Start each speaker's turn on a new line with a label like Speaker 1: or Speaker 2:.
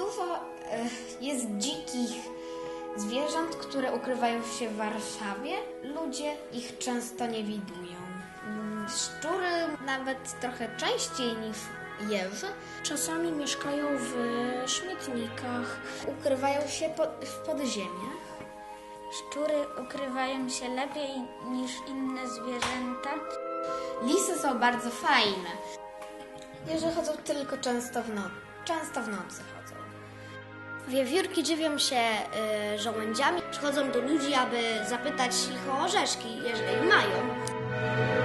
Speaker 1: Dużo jest dzikich zwierząt, które ukrywają się w Warszawie. Ludzie ich często nie widują. Szczury nawet trochę częściej niż jeży.
Speaker 2: Czasami mieszkają w śmietnikach.
Speaker 1: Ukrywają się w podziemiach.
Speaker 3: Szczury ukrywają się lepiej niż inne zwierzęta.
Speaker 1: Lisy są bardzo fajne. Jeże chodzą tylko często w nocy. Często w nocy chodzą.
Speaker 2: Wiewiórki żywią się żołędziami. Przychodzą do ludzi, aby zapytać ich o orzeszki, jeżeli mają.